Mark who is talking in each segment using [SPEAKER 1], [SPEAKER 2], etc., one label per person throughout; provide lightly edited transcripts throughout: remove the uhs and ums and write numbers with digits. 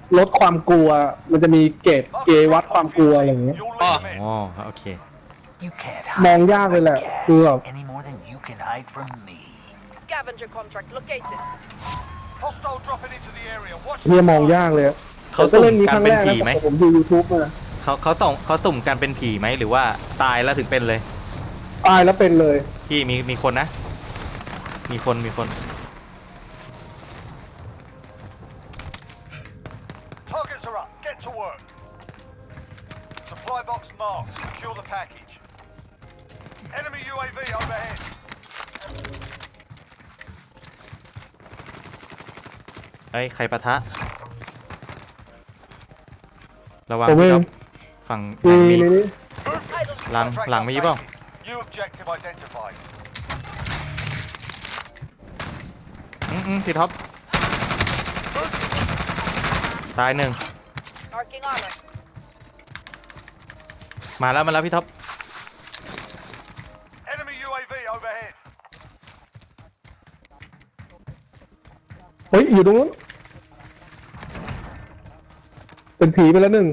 [SPEAKER 1] ลดความกลัวมันจะมีเกรดวัดความกลัวอะไรอย่างเงี้ย
[SPEAKER 2] อ๋อ
[SPEAKER 3] อ๋อโอเค
[SPEAKER 4] You can't
[SPEAKER 1] มอง
[SPEAKER 4] hide
[SPEAKER 1] ยาก
[SPEAKER 4] from
[SPEAKER 1] เลย
[SPEAKER 4] my
[SPEAKER 1] แหละคือแบบ
[SPEAKER 4] gas any more than you can hide from me.
[SPEAKER 5] Scavenger contract located.
[SPEAKER 6] Hostile dropping into the area. Watch
[SPEAKER 1] เฮีย
[SPEAKER 6] the
[SPEAKER 1] มอง
[SPEAKER 6] skies.
[SPEAKER 1] ยากเลยอะ
[SPEAKER 3] เขา
[SPEAKER 1] แต่ก็เล่นนี้
[SPEAKER 3] สุ่ม
[SPEAKER 1] ค
[SPEAKER 3] การ
[SPEAKER 1] รั้ง
[SPEAKER 3] เป็น
[SPEAKER 1] แรก
[SPEAKER 3] ผี
[SPEAKER 1] นะ
[SPEAKER 3] ไหม
[SPEAKER 1] แต่ผมดู YouTube มา
[SPEAKER 3] เขาสุ่มการเป็นผีไหมหรือว่าตายแล้วถึงเป็นเลย
[SPEAKER 1] ตายแล้วเป็นเลย
[SPEAKER 3] พี่มีคนนะ มีคน
[SPEAKER 6] Targets are up. Get to work. Supply box marked. Secure the package. Enemy UAV overhead.
[SPEAKER 3] เฮ้ยใครปะทะ ระวัง
[SPEAKER 1] ผมเอ
[SPEAKER 3] พี่
[SPEAKER 1] ง
[SPEAKER 3] ครับฝั่ง
[SPEAKER 1] มี
[SPEAKER 3] มี
[SPEAKER 1] ในนี้
[SPEAKER 3] หลัง
[SPEAKER 6] Contract
[SPEAKER 3] หลังไม่ยี่เปล่า
[SPEAKER 6] updated. New objective identified.
[SPEAKER 3] พี่ท็อปตายหนึ่ง
[SPEAKER 5] Marking armor.
[SPEAKER 3] มาแล้วพี่ท็อป
[SPEAKER 6] Enemy UAV overhead.
[SPEAKER 1] เฮ้ยอยู่ตรงนู้นเป็นผีไปแล้วหนึ่ง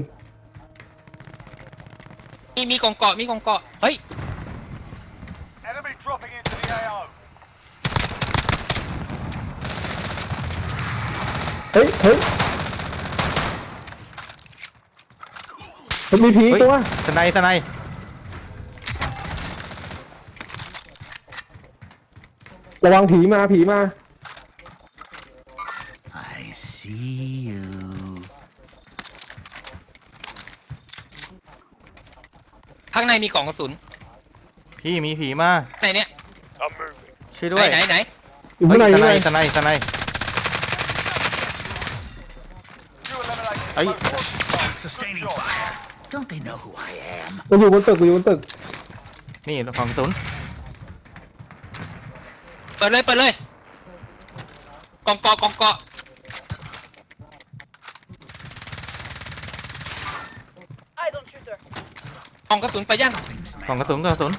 [SPEAKER 2] มีกองเกาะเฮ้ย
[SPEAKER 6] Enemy dropping into the AO.
[SPEAKER 1] เฮ้ยมันมีผี
[SPEAKER 3] เฮ้ย
[SPEAKER 1] ตัว
[SPEAKER 3] สไนสไน
[SPEAKER 1] ระวังผีมา
[SPEAKER 4] I see you.
[SPEAKER 2] ข้างในมีกล่องกระสุน
[SPEAKER 3] พี่มีผีมา
[SPEAKER 2] ไหนเนี่ย
[SPEAKER 3] ช่วยด้วย
[SPEAKER 2] ไหน
[SPEAKER 1] อยู่ข้างใน
[SPEAKER 3] เฮ้
[SPEAKER 1] อยู่
[SPEAKER 3] ย
[SPEAKER 1] ข้างใน
[SPEAKER 3] สไน
[SPEAKER 6] You eliminated
[SPEAKER 3] Are
[SPEAKER 6] both
[SPEAKER 3] you-
[SPEAKER 6] forces.
[SPEAKER 4] Sustaining
[SPEAKER 6] Good job.
[SPEAKER 4] fire. Don't they know who I am?
[SPEAKER 1] มันอยู่บนตึก
[SPEAKER 3] นี่ของศูนย์
[SPEAKER 2] เปิดเลยกองเกาะ
[SPEAKER 5] Eyes on shooter.
[SPEAKER 2] กองกระสุนไปยัง
[SPEAKER 3] ของกระสุน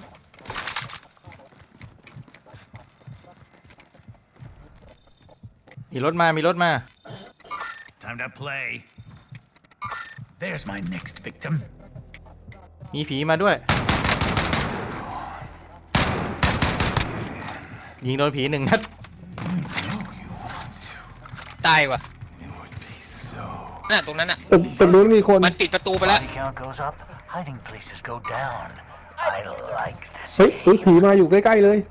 [SPEAKER 3] มีรถมา
[SPEAKER 4] Time to play. There's my next victim.
[SPEAKER 3] มีผีมาด้วย ยิงโดนผีหนึ่งนัด
[SPEAKER 2] ตายว่ะน่ะตรงนั้นน่ะ
[SPEAKER 1] ตึกนู้นมีคน
[SPEAKER 2] มันปิดประตูไปแล้ว
[SPEAKER 4] Body count goes up, hiding places go down. I like this.
[SPEAKER 1] เฮ้ยผีมาอยู่ใกล้ๆเลย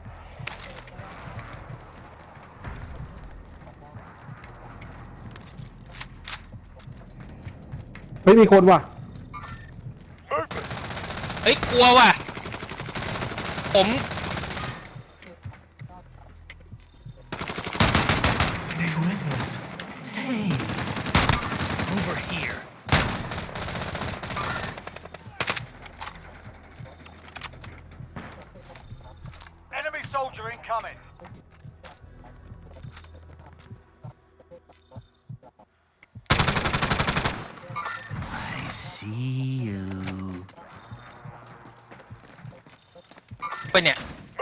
[SPEAKER 1] เฮ้ยมีคนว่ะ
[SPEAKER 2] เฮ้ยกลัวว่ะผม
[SPEAKER 4] Stay with us. Stay. Over here.
[SPEAKER 6] Enemy soldier incoming.
[SPEAKER 4] I see you.
[SPEAKER 2] ไปเนี่ย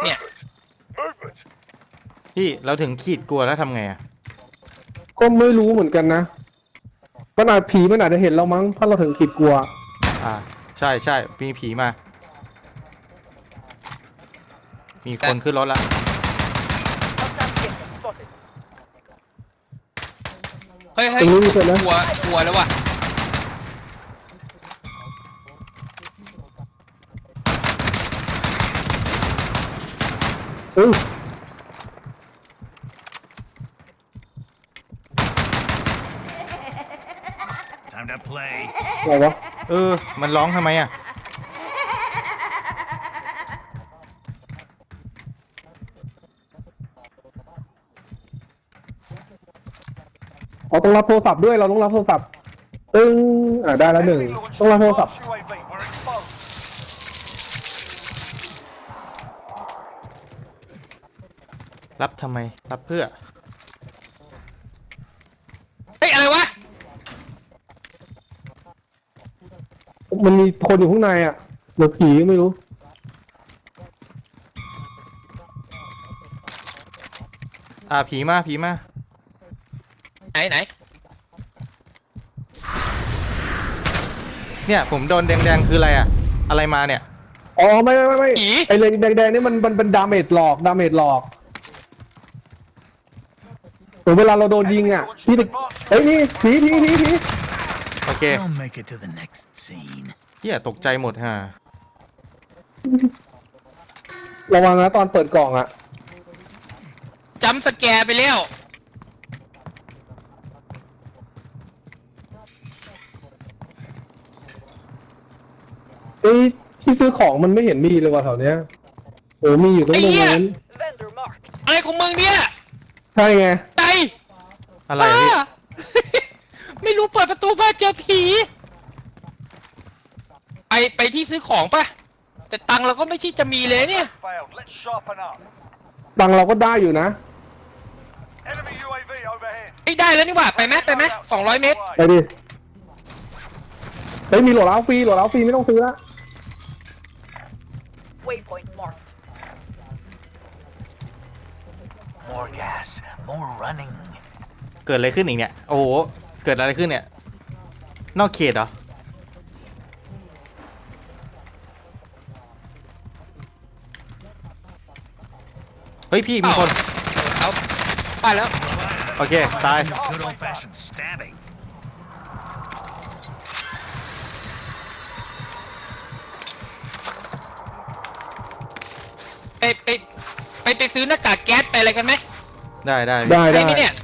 [SPEAKER 3] พี่เราถึงขีดกลัวแล้วทำไงอ่ะ
[SPEAKER 1] ก็ไม่รู้เหมือนกันนะมันอาจผีมันอาจจะเห็นเรามั้งถ้าเราถึงขีดกลัว
[SPEAKER 3] ใช่มีผีมา มีคนขึ้นรถละ
[SPEAKER 5] Hostile vehicle spotted.
[SPEAKER 2] เฮ้ย
[SPEAKER 1] ตรงนี้มีคนนะ
[SPEAKER 2] กลัวแล้วว่ะ
[SPEAKER 1] เอ้ย
[SPEAKER 4] Time to play.
[SPEAKER 1] อะไรวะ
[SPEAKER 3] มันร้องทำไมอ่ะ
[SPEAKER 1] ต้องรับโทรศัพท์ด้วยเราต้องรับโทรศัพท์ได้แล้วหนึ่ง
[SPEAKER 6] Enemy launched
[SPEAKER 1] ต้องรับโทรศัพท์
[SPEAKER 6] advanced UAV. We're exposed.
[SPEAKER 3] รับทำไม รับเพื่อ
[SPEAKER 2] เฮ้ยอะไรวะ
[SPEAKER 1] มันมีคนอยู่ข้างในอ่ะหรือผีไม่รู้
[SPEAKER 3] ผีมา
[SPEAKER 2] ไหน
[SPEAKER 3] เนี่ยผมโดนแดงๆคืออะไรอะอะไรมาเนี่ย
[SPEAKER 1] อ๋อไม่
[SPEAKER 2] ผี
[SPEAKER 1] ไอ้เลนแดงๆนี่มันเป็นดาเมจหลอกเหมือนเวลาเราโดนยิงอ่ะพี่เฮ้ยนี่ผี
[SPEAKER 3] โอเค
[SPEAKER 4] I'll make it to the next scene.
[SPEAKER 3] เฮียตกใจหมดฮะ
[SPEAKER 1] ระวังนะตอนเปิดกล่องอ่ะ
[SPEAKER 2] จำสแกร์ไปแล้ว
[SPEAKER 1] เอ้ยที่ซื้อของมันไม่เห็นมีเลยว่ะแถวเนี้ยโอ้มีอยู่ตรงนั้น
[SPEAKER 5] Vendor marked.
[SPEAKER 2] อะไรของมึงเนี่ย
[SPEAKER 1] ใช่ไง
[SPEAKER 2] ใจ
[SPEAKER 3] อะไร
[SPEAKER 2] บ้า
[SPEAKER 3] พี่
[SPEAKER 2] ไม่รู้เปิดประตูบ้านเจอผี ไปที่ซื้อของปะแต่ตังค์เราก็ไม่ใช่จะมีเลยเนี่ย
[SPEAKER 6] Failed. Let's sharpen up.
[SPEAKER 1] ตังค์เราก็ได้อยู่นะ
[SPEAKER 6] Enemy UAV overhead.
[SPEAKER 2] ไม่ได้แล้วนี่หว่าไปไหม200 เมตร
[SPEAKER 1] ไปดิเฮ้ยมีโหลดเอาฟรีไม่ต้องซื้อละ
[SPEAKER 5] Waypoint marked.
[SPEAKER 4] More gas, more running.
[SPEAKER 3] เกิดอะไรขึ้นอีกเนี่ยโอ้โหเกิดอะไรขึ้นเนี่ยนอกเขตเหรอเฮ้ยพี่มีคน
[SPEAKER 2] เอาไปแล้ว
[SPEAKER 3] โอเคตาย
[SPEAKER 4] Good old-fashioned stabbing.
[SPEAKER 2] ไปซื้อหน้ากากแก๊สไปอะไรกันไหม
[SPEAKER 3] ได้
[SPEAKER 1] ได้
[SPEAKER 2] ไปไหมเนี่ย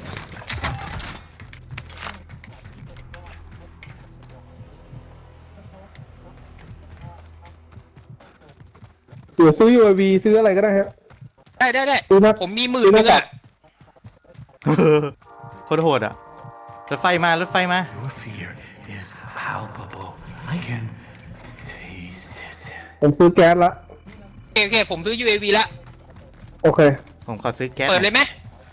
[SPEAKER 1] หรือซื้อ UAV ซื้ออะไรก็ได้ฮะ
[SPEAKER 2] ได้
[SPEAKER 1] ซื้อหน้า
[SPEAKER 2] ผมมี10,000นึงอะ
[SPEAKER 3] โคตรโหดอ่ะรถไฟมา
[SPEAKER 4] Your fear is palpable. I can taste it.
[SPEAKER 1] ผมซื้อแก๊สละ
[SPEAKER 2] โอเคผมซื้อ UAV ละ
[SPEAKER 1] โอเค
[SPEAKER 3] ผมขอซื้อแก๊ส
[SPEAKER 2] เปิดเลยไหม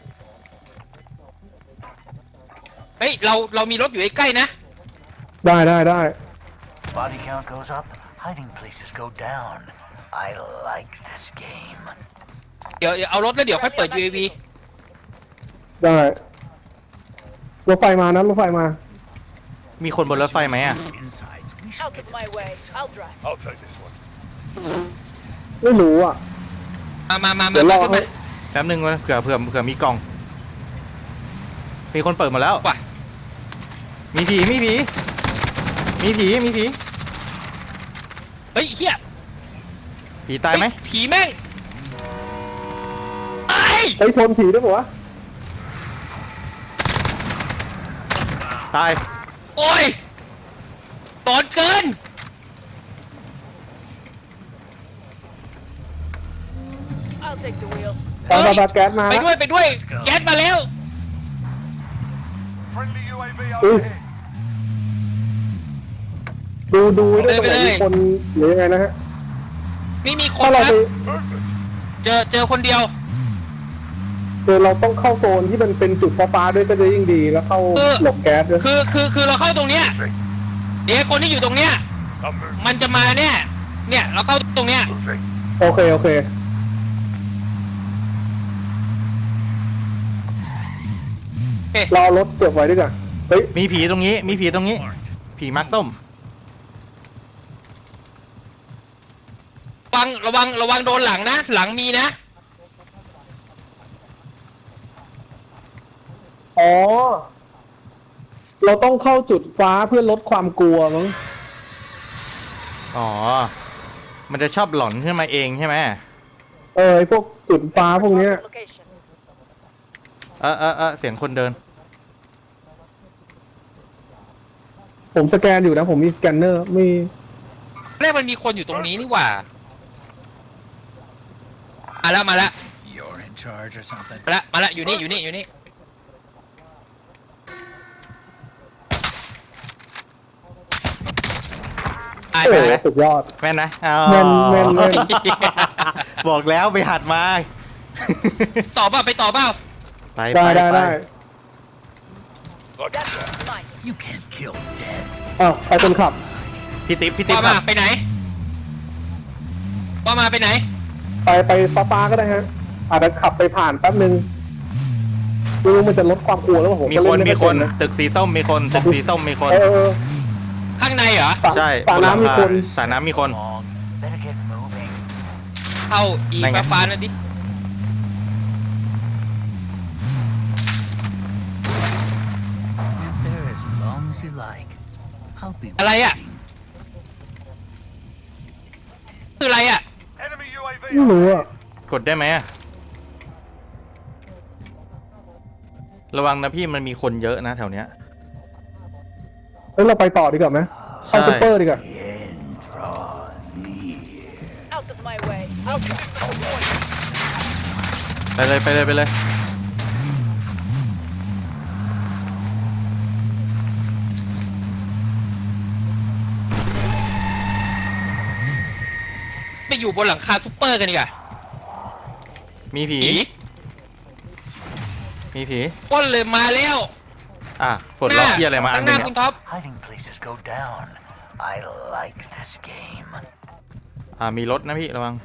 [SPEAKER 2] เฮ้ยเรามีรถอยู่ใกล้ๆนะ
[SPEAKER 1] ได้
[SPEAKER 4] Body count goes up, hiding places go down. I like this game.
[SPEAKER 2] เดี๋ยวเอารถแล้วเดี๋ยวค่อยเปิด UAV
[SPEAKER 1] ได้รถไฟมานะรถไฟมา
[SPEAKER 3] มีคนบนรถไฟไหมอ่ะ
[SPEAKER 4] Insides. We should
[SPEAKER 5] Out
[SPEAKER 4] get
[SPEAKER 5] of
[SPEAKER 4] to
[SPEAKER 5] my
[SPEAKER 4] the
[SPEAKER 5] way.
[SPEAKER 4] safe zone.
[SPEAKER 5] I'll drive.
[SPEAKER 6] I'll take this one.
[SPEAKER 1] ไม่รู้อ่ะ
[SPEAKER 2] มา
[SPEAKER 1] เดี๋ยวรอ
[SPEAKER 2] ขึ้น
[SPEAKER 1] ให้
[SPEAKER 2] มา
[SPEAKER 3] แป๊บนึงเผื่อมีกล่อง มีคนเปิดหมดแล้ว
[SPEAKER 2] ว่ะ
[SPEAKER 3] มีผี
[SPEAKER 2] เฮ้ยเฮีย
[SPEAKER 3] ผีตายไหม
[SPEAKER 2] เฮ้ผีแม่งไอ้
[SPEAKER 1] ไปชนผีด้วยปะวะ
[SPEAKER 3] ตาย
[SPEAKER 2] โอ้ยตอนเกิน
[SPEAKER 5] I'll take the wheel.
[SPEAKER 1] ตาแก๊สมา
[SPEAKER 2] ไป
[SPEAKER 1] แล้ว
[SPEAKER 2] ด้วย แก๊สมาแล้ว
[SPEAKER 6] Friendly UAV
[SPEAKER 1] Ooh.
[SPEAKER 6] overhead.
[SPEAKER 1] ดูด้วยตรงไหน
[SPEAKER 2] ไปเลย
[SPEAKER 1] มีคนหรือยังไงนะฮะ
[SPEAKER 2] ไม่มีค
[SPEAKER 1] ถ้าน เรา
[SPEAKER 2] ครั
[SPEAKER 1] ไป
[SPEAKER 2] บเจอคนเดียว
[SPEAKER 1] เราต้องเข้าโซนที่มันเป็นจุดฟ้าๆด้วยก็จะยิ่งดีแล้วเข้า
[SPEAKER 2] เออ
[SPEAKER 1] หลบแก๊สด้วย
[SPEAKER 2] คือเราเข้าตรงเนี้ยเดี๋ยวคนที่อยู่ตรงเนี้ย
[SPEAKER 6] I'm moving.
[SPEAKER 2] มันจะมาเนี่ยเราเข้าตรงเนี้ย
[SPEAKER 6] Moving.
[SPEAKER 1] โอเค
[SPEAKER 2] โอเค
[SPEAKER 1] เราเอารถเก็บไว้ด้วยกันเฮ้ย
[SPEAKER 3] มีผีตรงนี้ ผีมาร์คต้ม
[SPEAKER 2] ระวังโดนหลังนะ หลังมีนะ
[SPEAKER 1] อ๋อ เราต้องเข้าจุดฟ้าเพื่อลดความกลัวมั้ง
[SPEAKER 3] อ๋อ มันจะชอบหลอนขึ้นมาเองใช่ไหม
[SPEAKER 1] ไอ้พวกจุดฟ้าพวกเนี้ย
[SPEAKER 5] Location.
[SPEAKER 3] เสียงคนเดิน
[SPEAKER 1] ผมสแกนอยู่นะ ผมมีสแกนเนอร์มี
[SPEAKER 2] แรกมันมีคนอยู่ตรงนี้นี่หว่า มาแล้ว
[SPEAKER 4] You're in charge or something.
[SPEAKER 2] มาแล้วอยู่นี่ตาย
[SPEAKER 1] โอ้
[SPEAKER 2] ไป
[SPEAKER 1] โห
[SPEAKER 2] ไหม
[SPEAKER 1] สุดยอด
[SPEAKER 3] แม่นนะอ๋อ
[SPEAKER 1] แม่น
[SPEAKER 3] บอกแล้วไปหัดมา
[SPEAKER 2] ต่อเปล่าไปต่อเปล่า
[SPEAKER 3] ไป
[SPEAKER 1] ได้
[SPEAKER 5] That's mine.
[SPEAKER 4] You can't kill death.
[SPEAKER 1] อ้าวใครคนขับ
[SPEAKER 3] พี่ติ๊บ
[SPEAKER 2] ว่า
[SPEAKER 3] ค
[SPEAKER 2] มา
[SPEAKER 3] รับ
[SPEAKER 2] ไปไหน
[SPEAKER 1] ไปฟ้าๆก็ได้ฮะ อาจจะขับไปผ่านแป๊บนึงไม่รู้มันจะลดความกลัวแล้วผม
[SPEAKER 3] มี
[SPEAKER 1] ก็
[SPEAKER 3] ค
[SPEAKER 1] เล่
[SPEAKER 3] น
[SPEAKER 1] นไม่
[SPEAKER 3] มี
[SPEAKER 1] ค่อย
[SPEAKER 3] ค
[SPEAKER 1] เป็น นนะ
[SPEAKER 3] ตึกสีส้มมีคน
[SPEAKER 1] เออ
[SPEAKER 7] ข้างในเหรอ
[SPEAKER 3] ใช่
[SPEAKER 1] สระน้ำมีคน
[SPEAKER 3] สระน้ำมีคน
[SPEAKER 4] Come on, better get moving.
[SPEAKER 7] เข้าอี
[SPEAKER 3] ไหนไง
[SPEAKER 7] ฟ้าๆนั่นดิ
[SPEAKER 4] Live there as long as you like. I'll be
[SPEAKER 7] อะไรอ่ะ
[SPEAKER 4] waiting.
[SPEAKER 7] คืออะไรอ่ะ
[SPEAKER 6] Enemy UAV
[SPEAKER 1] ไม่รู้อ่ะ
[SPEAKER 3] กดได้ไหมอะระวังนะพี่มันมีคนเยอะนะแถวเนี้ย
[SPEAKER 1] เอ้ยเราไปต่อดีกว่าไหมเข้า
[SPEAKER 3] ใช่
[SPEAKER 1] ซุปเปอร์ดีกว่า
[SPEAKER 4] The end draws near.
[SPEAKER 5] Out of my way. Out.
[SPEAKER 3] ไปเลยไปเลยไปเลย
[SPEAKER 7] ไปอยู่บนหลังคาซุปเปอร์กันดีกว่า
[SPEAKER 3] มีผี
[SPEAKER 7] ผี
[SPEAKER 3] มีผี
[SPEAKER 7] ปล้นเลยมาแล้ว
[SPEAKER 3] อ่ะปลดล็อกเหียอะไรมาอั
[SPEAKER 7] ข้าน ง
[SPEAKER 3] ห
[SPEAKER 7] ห
[SPEAKER 3] นึ
[SPEAKER 7] น้าง คุ
[SPEAKER 3] เนี่
[SPEAKER 7] ณ
[SPEAKER 3] ย
[SPEAKER 7] ท็อป
[SPEAKER 4] Hiding places go down. I like this game.
[SPEAKER 3] มีรถนะพี่ระวัง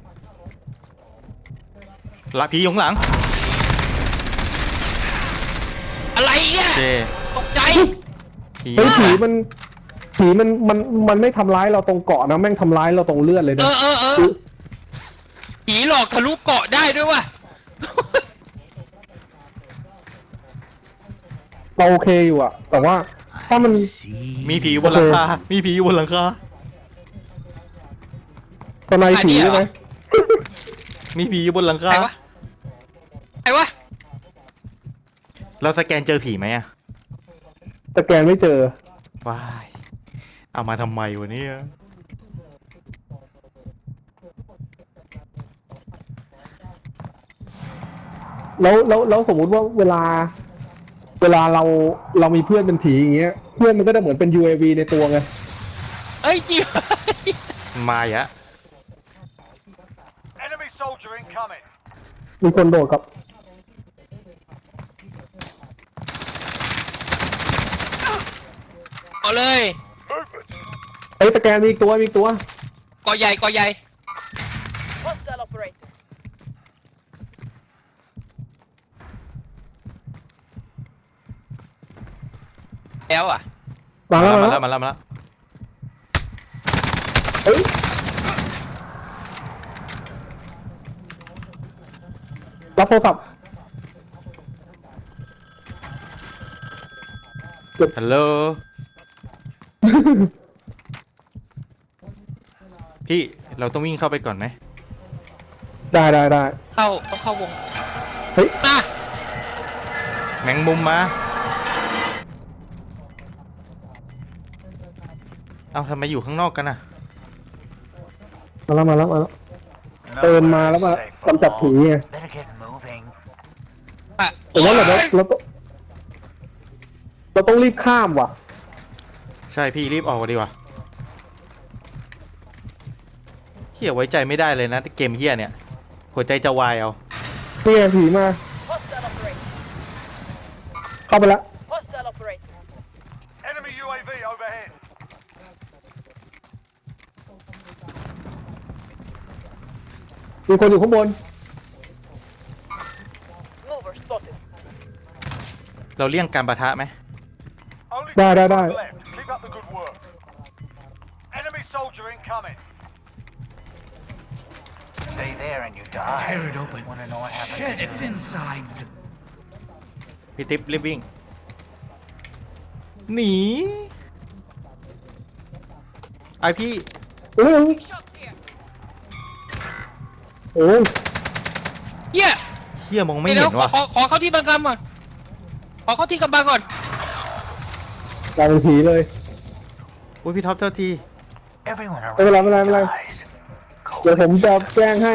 [SPEAKER 3] ละผีอยู่ข้างหลัง
[SPEAKER 7] อะไรเนี่ย
[SPEAKER 3] เจ
[SPEAKER 7] ตกใจ
[SPEAKER 3] ผี
[SPEAKER 1] เฮ้ยผีมันไม่ทำร้ายเราตรงเกาะนะแม่งทำร้ายเราตรงเลือดเลย
[SPEAKER 7] เอ
[SPEAKER 1] นะ
[SPEAKER 7] อผีหลอกทะลุเกาะได้ด้วยว่ะ
[SPEAKER 1] เราโอเคอยู่อ่ะ แต่ว่าถ้ามัน
[SPEAKER 4] See.
[SPEAKER 3] มีผีอยู่บนหลังคา มีผีอยู่บนหลังคา
[SPEAKER 1] ตอนในผีใช่ไหม
[SPEAKER 3] มีผีอยู่บนหลัง
[SPEAKER 7] ใค
[SPEAKER 3] คาร
[SPEAKER 7] วะใครวะ
[SPEAKER 3] เราสแกนเจอผีไหมอะ
[SPEAKER 1] แต่แกนไม่เจอ
[SPEAKER 3] ว้าย เอามาทำไมวะเนี่ย
[SPEAKER 1] แล้วสมมุติว่าเวลาเรามีเพื่อนเป็นผีอย่างเงี้ย เพื่อนมันก็จะเหมือนเป็น UAV ในตัวไง
[SPEAKER 7] เอ้ยจริง
[SPEAKER 3] มาอีกอะ
[SPEAKER 6] Enemy soldier incoming.
[SPEAKER 1] มีคนโดดกับ
[SPEAKER 7] เอาเลย
[SPEAKER 1] เอ้ยแต่แกนมีอีกตัวมีอีกตัว
[SPEAKER 7] เกาะใหญ่เกาะใหญ่
[SPEAKER 5] Hostile operator.
[SPEAKER 7] แล้วอ่ะ
[SPEAKER 1] มาแล้ว
[SPEAKER 3] มา
[SPEAKER 1] มา
[SPEAKER 3] แล้
[SPEAKER 1] แล้ว ว
[SPEAKER 3] มาแล้วมาแล้ว
[SPEAKER 1] เฮ้ยรับโทรศัพท์
[SPEAKER 3] ฮัลโหล พี่เราต้องวิ่งเข้าไปก่อนไหม
[SPEAKER 1] ได้ได้
[SPEAKER 7] ต้องเข้าวง
[SPEAKER 1] เฮ้ย
[SPEAKER 7] อ่ะ
[SPEAKER 3] แมงมุมมา เอาทำไมอยู่ข้างนอกกันอะ
[SPEAKER 1] มาแล้ว เดินมาแล้วมากำจัดผีไง
[SPEAKER 4] Better get moving.
[SPEAKER 7] อ่ะ
[SPEAKER 1] แต่ว่าเราต้องรีบข้ามว่ะ
[SPEAKER 3] ใช่พี่รีบออกมาดีกว่าเฮียไว้ใจไม่ได้เลยนะเกมเฮียเนี่ย หัวใจจะวายเอา
[SPEAKER 1] นี่ไงผีมา
[SPEAKER 5] Hostile operator.
[SPEAKER 1] เข้าไปละ
[SPEAKER 5] Hostile operator.
[SPEAKER 6] Enemy UAV overhead.
[SPEAKER 1] มีคนอยู่ข้างบน
[SPEAKER 5] Mover spotted.
[SPEAKER 3] เราเลี่ยงการปะทะไหม
[SPEAKER 6] Only
[SPEAKER 1] Da, da,
[SPEAKER 6] 2
[SPEAKER 1] da.
[SPEAKER 6] left. Keep up the good work. Enemy soldier incoming.
[SPEAKER 4] Stay there and you die.
[SPEAKER 8] Tear it open.
[SPEAKER 4] Wanna know what happens?
[SPEAKER 8] Shit,
[SPEAKER 4] if
[SPEAKER 8] it's
[SPEAKER 4] you-
[SPEAKER 8] inside.
[SPEAKER 3] พี่ติ๊บรีบวิ่ง หนี ไอพี่
[SPEAKER 1] โอ้ยโอ้ย
[SPEAKER 7] เฮีย
[SPEAKER 3] เฮียมองไม่
[SPEAKER 7] เดี๋
[SPEAKER 3] เห็
[SPEAKER 7] ยวน
[SPEAKER 3] ว่ะ
[SPEAKER 7] ขอเข้าที่บังคับก่อน ขอเข้าที่กำบังก่อน
[SPEAKER 1] กลายเป็นผีเลย
[SPEAKER 3] อุ้ยพี่ท็อปเจ้าที
[SPEAKER 4] Everyone around
[SPEAKER 1] ไม่เป็นไร
[SPEAKER 4] you
[SPEAKER 1] ไม่เป็นไร
[SPEAKER 4] dies.
[SPEAKER 1] เดี๋ยวผมจะแจ้งให้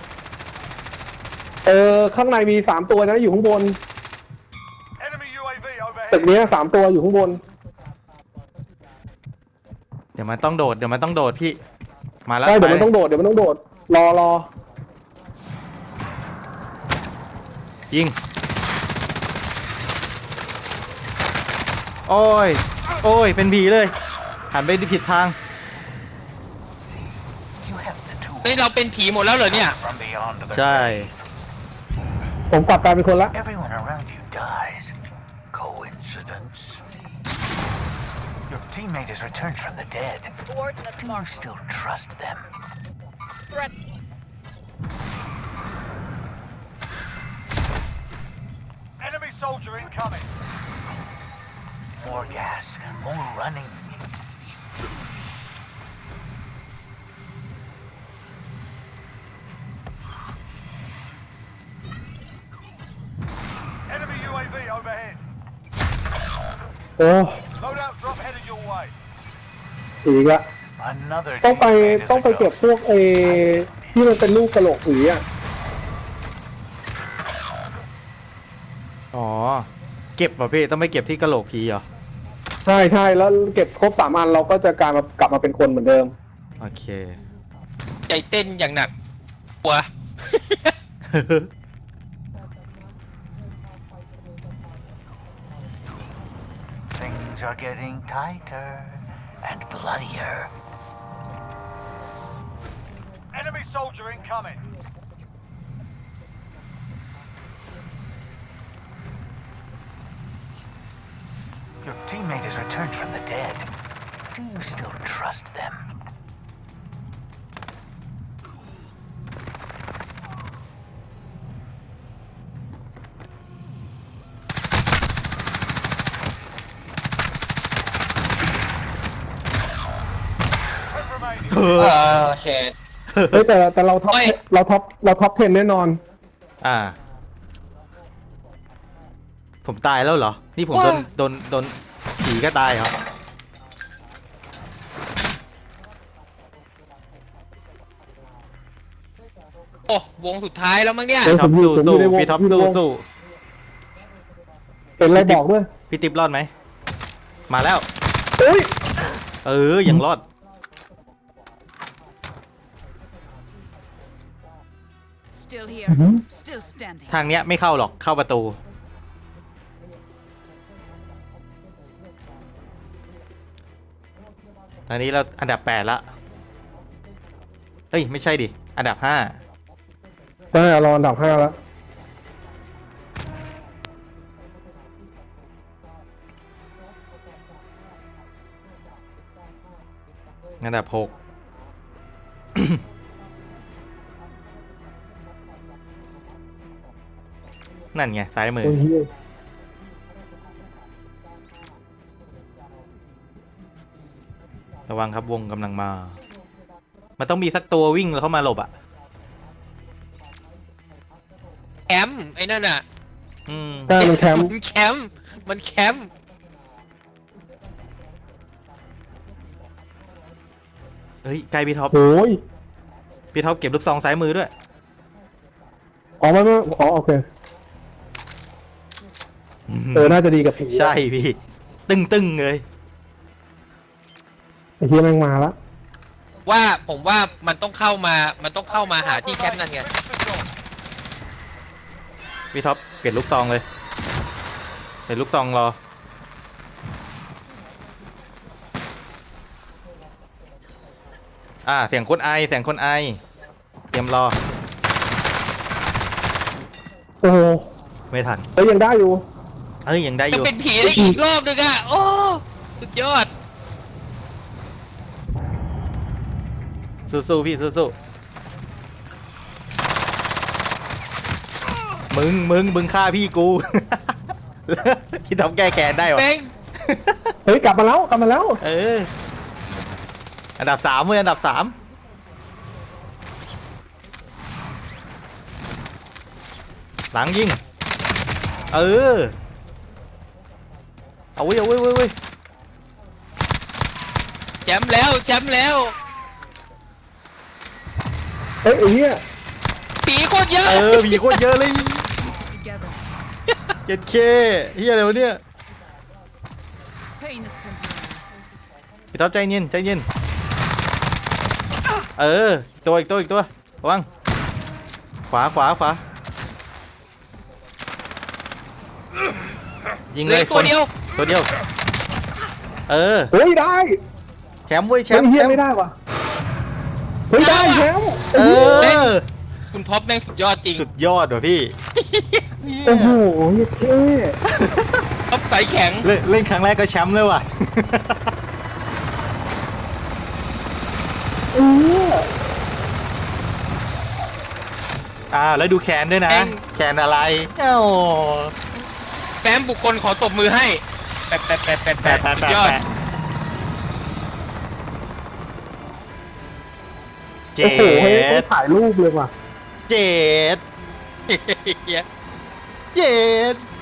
[SPEAKER 1] ข้างในมี3 ตัวนะอยู่ข้างบน
[SPEAKER 6] Enemy UAV
[SPEAKER 1] ตึก
[SPEAKER 6] overhead.
[SPEAKER 1] เนี้ย3 ตัวอยู่ข้างบน
[SPEAKER 3] เดี๋ยวมันต้องโดด เดี๋ยวมันต้องโดดพี่ มาแล้ว
[SPEAKER 1] ได้เดี๋ยว
[SPEAKER 3] ไป
[SPEAKER 1] มันต้องโดดรอ
[SPEAKER 3] ยิง โอ้ย โอ้ย เป็นผีเลย หันไปผิดทาง
[SPEAKER 4] You have the tools
[SPEAKER 7] เฮ้ยเราเป็นผีหมดแล้วเหรอเนี่ย
[SPEAKER 4] from beyond the
[SPEAKER 3] ใช่
[SPEAKER 1] ผมกลับกลายเป็นคนละ
[SPEAKER 4] Everyone around you dies. Coincidence? Your teammate has returned from the dead.
[SPEAKER 5] Coordinates
[SPEAKER 4] Do you
[SPEAKER 5] marked.
[SPEAKER 4] still trust them?
[SPEAKER 5] Threat.
[SPEAKER 6] Enemy soldier incoming.
[SPEAKER 4] More gas, more running.
[SPEAKER 6] Enemy UAV overhead.
[SPEAKER 1] โอ้
[SPEAKER 6] Loadout drop headed your way.
[SPEAKER 1] ผีอีกละ
[SPEAKER 4] Another
[SPEAKER 1] ต้องไป
[SPEAKER 4] teammate is
[SPEAKER 1] ต้อง
[SPEAKER 4] a
[SPEAKER 1] ไปเก็บ
[SPEAKER 4] ghost.
[SPEAKER 1] พวกที่มันเป็นลูกกระโหลกผีอ่ะ
[SPEAKER 3] อ๋อ เก็บป่ะพี่ต้องไปเก็บที่กะโหลกผีเหรอ
[SPEAKER 1] ใช่ใช่แล้วเก็บครบ3 อันเราก็จะกลับมาเป็นคนเหมือนเดิม
[SPEAKER 3] โอเค
[SPEAKER 7] ใจเต้นอย่างหนักกลัว
[SPEAKER 4] Things are getting tighter and bloodier.
[SPEAKER 6] Enemy soldier incoming.
[SPEAKER 4] Your teammate has returned from the dead. Do you still trust them?
[SPEAKER 6] Ten remaining.
[SPEAKER 7] โอเค
[SPEAKER 1] เฮ้ยแต่เราท็อป
[SPEAKER 7] ไม่
[SPEAKER 1] เราท็อป10แน่นอน
[SPEAKER 3] อ่า ผมตายแล้วเหรอ นี่ผมโดนผีก็ตายเหรอ
[SPEAKER 7] โอ้วงสุดท้ายแล้วมั้งเนี่ย
[SPEAKER 1] เฮ้ย
[SPEAKER 3] พี่ท็อป
[SPEAKER 1] ผมอยู่
[SPEAKER 3] สู้
[SPEAKER 1] ในวง
[SPEAKER 3] พี่ท็อป
[SPEAKER 1] อยู่ใน
[SPEAKER 3] สู้
[SPEAKER 1] วง
[SPEAKER 3] สู้
[SPEAKER 1] เห็นอะไรบอกด้วย
[SPEAKER 3] พี่ติ๊บรอดไหม มาแล้ว
[SPEAKER 1] เฮ้ย
[SPEAKER 3] ยังรอด
[SPEAKER 8] Still here. Still standing.
[SPEAKER 3] ทางเนี้ยไม่เข้าหรอก เข้าประตู ตอนนี้เราอันดับ8ละเอ้ย ไม่ใช่ดิ อันดับ5
[SPEAKER 1] ได้เราอันดับ5แล้ว
[SPEAKER 3] อันดับ6 นั่นไง ซ้ายมือ
[SPEAKER 1] โอ้ยเหี้ย
[SPEAKER 3] ระวังครับวงกำลังมา มันต้องมีสักตัววิ่งเข้ามาหลบอ่ะ
[SPEAKER 7] แคมป์ไอ้นั่นอ่ะ
[SPEAKER 3] อืม
[SPEAKER 1] ใช่มันแคมป์
[SPEAKER 7] มันแคมป์มันแคมป์
[SPEAKER 3] เฮ้ยใกล้พี่ท็อป
[SPEAKER 1] โอ้ย
[SPEAKER 3] พี่ท็อปเก็บลูกซองซ้ายมือด้วย
[SPEAKER 1] อ๋อไม่อ๋อโอเคน่าจะดีกับผี
[SPEAKER 3] ใช่พี่ ตึ้งเลย
[SPEAKER 1] ไอ้เหี้ยแม่งมาละ
[SPEAKER 7] ว่าผมว่ามันต้องเข้ามาหาที่แคมป์นั่นไง
[SPEAKER 6] Finish the job.
[SPEAKER 3] พี่ท็อปเปลี่ยนลูกซองเลยเปลี่ยนลูกซองรอ เสียงคนไอ เตรียมรอ
[SPEAKER 1] โอ้โห
[SPEAKER 3] ไม่ทัน
[SPEAKER 1] เอ้ยยังได้อยู่
[SPEAKER 3] ยังได้อ
[SPEAKER 7] จะ
[SPEAKER 3] ยู่
[SPEAKER 7] เป็นผีได้อีกรอบนึงอ่ะ โอ้ สุดยอด
[SPEAKER 3] สู้ๆพี่สู้ๆมึงฆ่าพี่กู พี่ท็อปแก้แค้นได้หรอ
[SPEAKER 7] แม่ง
[SPEAKER 1] เฮ้ยกลับมาแล้ว
[SPEAKER 3] อันดับ3เว้ยอันดับ3หลังยิง เอาเว้ย
[SPEAKER 7] แชมป์แล้ว
[SPEAKER 1] เฮ้ยไอ้เหี้ย
[SPEAKER 7] ผีโคตรเยอะ
[SPEAKER 3] มีโคตรเยอะเลย
[SPEAKER 8] Together.
[SPEAKER 3] เจ็ดเคเฮียอะไรวะเนี่ย
[SPEAKER 8] Pain is temporary.
[SPEAKER 3] พี่ท็อปใจเย็นอีกตัวระวังขวายิง
[SPEAKER 7] เห
[SPEAKER 3] เล
[SPEAKER 7] ลือย ตัวเดียว
[SPEAKER 3] ตัวเดียว
[SPEAKER 1] เฮ้ยได้
[SPEAKER 3] แชมป์เว้ยแช
[SPEAKER 1] เฮ้ย
[SPEAKER 3] มป์
[SPEAKER 1] เหี้ยไม่ได้ว่ะเฮ้ยได้แชมป์
[SPEAKER 3] เออ
[SPEAKER 7] คุณท็อปแม่งสุดยอดจริง
[SPEAKER 3] สุดยอดว่ะพี่
[SPEAKER 1] โอ้โหเท่
[SPEAKER 7] ท็อปสายแข็ง
[SPEAKER 3] เล่นครั้งแรกก็แชมป์เลยว่ะ แล้วดูแคนด้วยนะ
[SPEAKER 7] แม่ง
[SPEAKER 3] แคนอะไรเอ้า
[SPEAKER 7] แฟ้มบุคคลขอตบมือให้แปะสุดยอด
[SPEAKER 3] เจ็
[SPEAKER 1] โอ้โหเฮ้ยต้อง
[SPEAKER 3] ด
[SPEAKER 1] ถ่ายรูปเลยว่ะ
[SPEAKER 3] เจ็ด
[SPEAKER 7] เหี้ย
[SPEAKER 3] เจ็ด